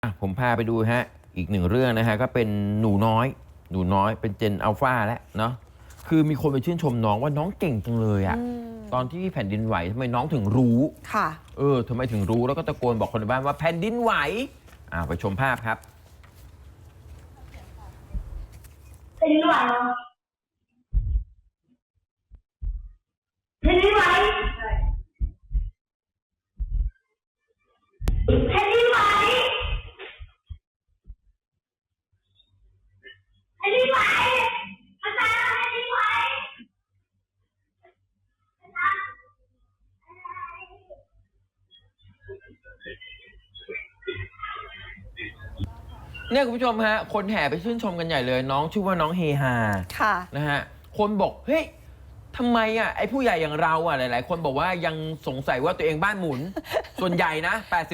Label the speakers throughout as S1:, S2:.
S1: ผมพาไปดูฮะอีกหนึ่งเรื่องนะฮะก็เป็นหนูน้อยเป็นเจนอัลฟาแล้วเนาะคือมีคนไปชื่นชมน้องว่าน้องเก่งจังเลยอะตอนที่แผ่นดินไหวทำไมน้องถึงรู้
S2: ค่ะ
S1: ทำไมถึงรู้แล้วก็ตะโกนบอกคนในบ้านว่าแผ่นดินไหวไปชมภาพครับ
S3: แผ่นดินไหวแผ่นดินไหวแผ่นดินไหวแผ่นดินไหวอาจารย์แผ่นดินไหว
S1: เนี่ยคุณผู้ชมฮะคนแห่ไปชื่นชมกันใหญ่เลยน้องชื่อว่าน้องเฮฮา
S2: ค่ะ
S1: นะฮะคนบอกเฮ้ยทำไมไอ้ผู้ใหญ่อย่างเราหลายๆคนบอกว่ายังสงสัยว่าตัวเองบ้านหมุน ส่วนใหญ่นะ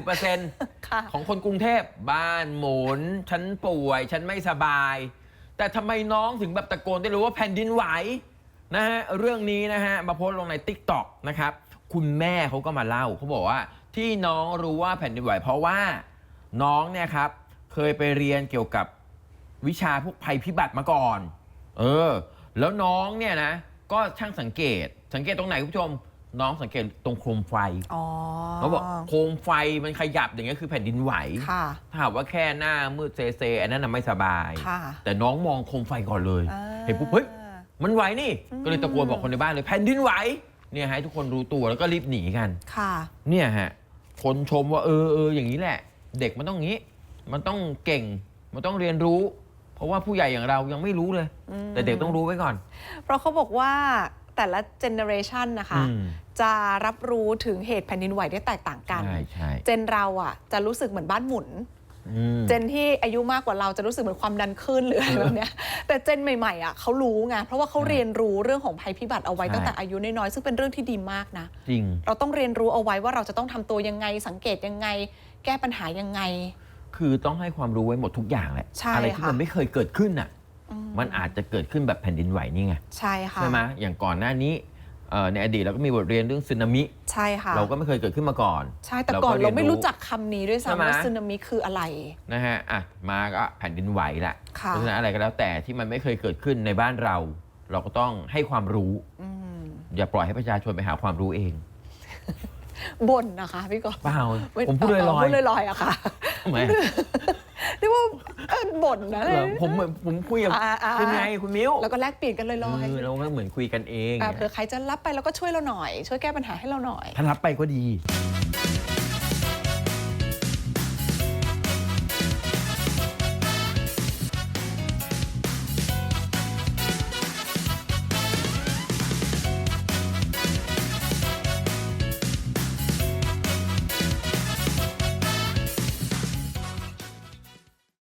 S1: 80% ของคนกรุงเทพบ้านหมุนฉันป่วยฉันไม่สบาย แต่ทำไมน้องถึงแบบตะโกนได้รู้ว่าแผ่นดินไหวนะฮะเรื่องนี้นะฮะมาโพสต์ลงใน TikTok นะครับคุณแม่เขาก็มาเล่าเขาบอกว่าที่น้องรู้ว่าแผ่นดินไหวเพราะว่าน้องเนี่ยครับเคยไปเรียนเกี่ยวกับวิชาพวกภัยพิบัติมาก่อนแล้วน้องเนี่ยนะก็ช่างสังเกตตรงไหนคุณผู้ชมน้องสังเกตตรงโคมไฟเขาบอกโคมไฟมันขยับอย่างเงี้ยคือแผ่นดินไหวถ้าหากว่าแค่หน้ามืดเซอันนั้นน่ะไม่สบายแต่น้องมองโคมไฟก่อนเลยเห็นปุ๊บเฮ้ยมันไหวนี่ก็เลยตะโกนบอกคนในบ้านเลยแผ่นดินไหวเนี่ยให้ทุกคนรู้ตัวแล้วก็รีบหนีกันเนี่ยฮะคนชมว่าอย่างนี้แหละเด็กมันต้องงี้มันต้องเก่งมันต้องเรียนรู้เพราะว่าผู้ใหญ่อย่างเรายังไม่รู้เลยแต่เด็กต้องรู้ไว้ก่อน
S2: เพราะเขาบอกว่าแต่ละเจเนอเรชันนะคะจะรับรู้ถึงเหตุแผ่นดินไหวได้แตกต่างกันเจนเราจะรู้สึกเหมือนบ้านหมุนเจนที่อายุมากกว่าเราจะรู้สึกเหมือนความดันขึ้นหรืออะไรแบบนี้แต่เจนใหม่ๆเขารู้ไงเพราะว่าเขาเรียนรู้เรื่องของภัยพิบัติเอาไว้ตั้งแต่อายุน้อยๆซึ่งเป็นเรื่องที่ดีมากนะ
S1: จริง
S2: เราต้องเรียนรู้เอาไว้ว่าเราจะต้องทำตัวยังไงสังเกตยังไงแก้ปัญหายังไง
S1: คือต้องให้ความรู้ไว้หมดทุกอย่างแหละอะไรที่มันไม่เคยเกิดขึ้นมันอาจจะเกิดขึ้นแบบแผ่นดินไหวนี่ไง
S2: ใช่ค่ะ
S1: ใช่ไหมอย่างก่อนหน้านี้ในอดีตเราก็มีบทเรียนเรื่องสึนามิ
S2: ใช่ค่ะ
S1: เราก็ไม่เคยเกิดขึ้นมาก่อน
S2: ใช่แต่ก่อนเราไม่รู้จักคำนี้ด้วยซ้ำว่าสึนามิคืออะไร
S1: นะฮะมาก็แผ่นดินไหวละเพราะฉะนั้นอะไรก็แล้วแต่ที่มันไม่เคยเกิดขึ้นในบ้านเราเราก็ต้องให้ความรู้อย่าปล่อยให้ประชาชนไปหาความรู้เอง
S2: บ่นนะคะพี่กอล์ฟ
S1: เปล่าผมพูดล
S2: อยๆอะค่ะ
S1: ทำไม
S2: เรียกว่าบ่นนะ
S1: ผมคุยกับคุณไงคุณมิ้ว
S2: แล้วก็แลกเปลี่ยนกันลอย
S1: ๆเราก็เหมือนคุยกันเอง
S2: เผื่อใครจะรับไปแล้วก็ช่วยเราหน่อยช่วยแก้ปัญหาให้เราหน่อย
S1: ถ้ารับไปก็ดี